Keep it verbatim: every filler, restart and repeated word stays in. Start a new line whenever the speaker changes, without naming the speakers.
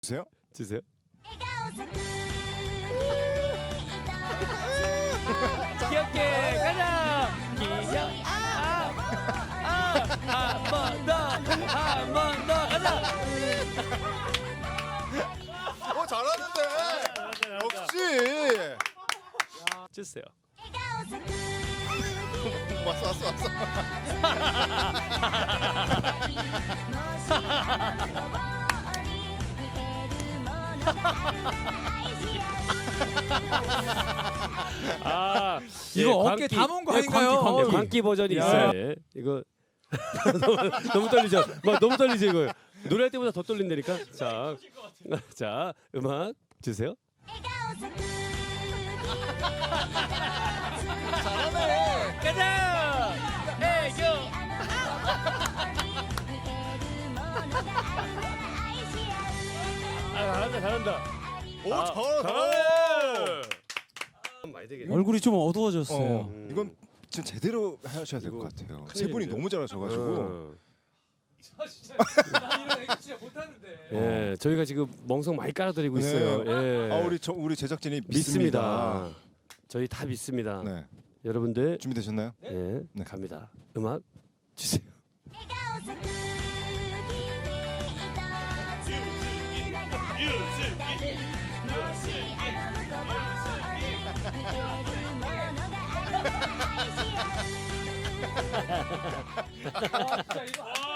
주세요.
주세요. 귀엽게 가자. 귀여. 아아한번 더, 한 번 더 가자.
어 잘하는데. 역시.
주세요.
왔어 왔어 왔어.
아
이거 어깨 담은 거
예,
아닌가요?
광기, 광기,
어이.
광기 버전이
야.
있어요. 예, 이거 너무, 너무 떨리죠. 막 너무 떨리죠 이거. 노래할 때보다 더 떨린다니까. 자, 자 음악 주세요.
잘하네.
가자. 애교. 아 잘한다 잘한다.
오
아,
잘하네.
잘하네. 많이 되겠네.
얼굴이 좀 어두워졌어요.
어,
음.
이건 진짜 제대로 하셔야 될 것 같아요. 세 분이
큰일인데?
너무 잘하셔가지고.
어.
나 이런 애교 진짜 못하는데.
예, 저희가 지금 멍석 많이 깔아드리고
네.
있어요. 예.
아 우리 저 우리 제작진이
믿습니다.
믿습니다.
저희 다 믿습니다.
네
여러분들
준비되셨나요?
예,
네.
갑니다. 음악 주세요.
아, 진짜 이거